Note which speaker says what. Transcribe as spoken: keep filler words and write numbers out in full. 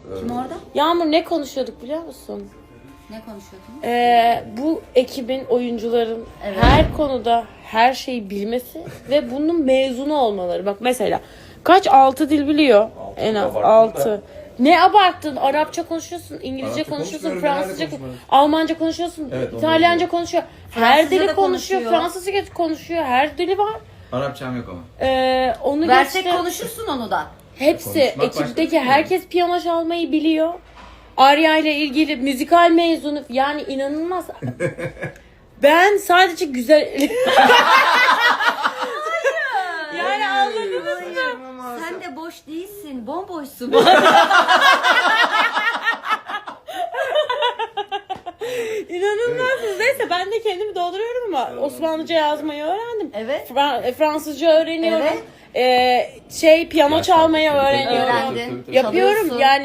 Speaker 1: Kim orada?
Speaker 2: Yağmur ne konuşuyorduk biliyor musun?
Speaker 1: Ne konuşuyordunuz?
Speaker 2: Ee, bu ekibin, oyuncuların
Speaker 1: Evet.
Speaker 2: her konuda her şeyi bilmesi ve bunun mezunu olmaları. Bak mesela kaç altı dil biliyor?
Speaker 3: Altı,
Speaker 2: En az
Speaker 3: abarttın
Speaker 2: altı.
Speaker 3: da.
Speaker 2: Ne abarttın? Arapça konuşuyorsun, İngilizce
Speaker 3: Arapça
Speaker 2: konuşuyorsun,
Speaker 3: konuşmuyorum, ben
Speaker 2: Fransızca,
Speaker 3: nerede konuşmuyorum?
Speaker 2: Almanca konuşuyorsun,
Speaker 3: Evet, onu
Speaker 2: İtalyanca
Speaker 3: biliyorum.
Speaker 2: konuşuyor. Her
Speaker 1: Fransızca
Speaker 2: dili
Speaker 1: da
Speaker 2: konuşuyor,
Speaker 1: konuşuyor.
Speaker 2: Fransızca konuşuyor, her dili var.
Speaker 4: Arapçam yok ama.
Speaker 2: Ee, onu
Speaker 1: Versek
Speaker 2: geçti.
Speaker 1: konuşursun onu da.
Speaker 2: Hepsi,
Speaker 4: Konuşmak
Speaker 2: ekipteki
Speaker 4: başka bir şey.
Speaker 2: herkes piyano çalmayı biliyor. Arya ile ilgili müzikal mezunu, yani inanılmaz. Ben sadece güzel... yani anladınız mı?
Speaker 1: Sen de boş değilsin, bomboşsun.
Speaker 2: İnanılmazsınız. Neyse ben de kendimi dolduruyorum ama Osmanlıca yazmayı öğrendim.
Speaker 1: Evet.
Speaker 2: Fra- Fransızca öğreniyorum.
Speaker 1: Evet.
Speaker 2: Ee, şey piyano
Speaker 3: Ya,
Speaker 2: çalmayı
Speaker 3: tabii, tabii,
Speaker 2: öğreniyorum.
Speaker 1: Öğrendin.
Speaker 3: tabii, tabii.
Speaker 2: Yapıyorum
Speaker 1: Çalıyorsun.
Speaker 2: yani.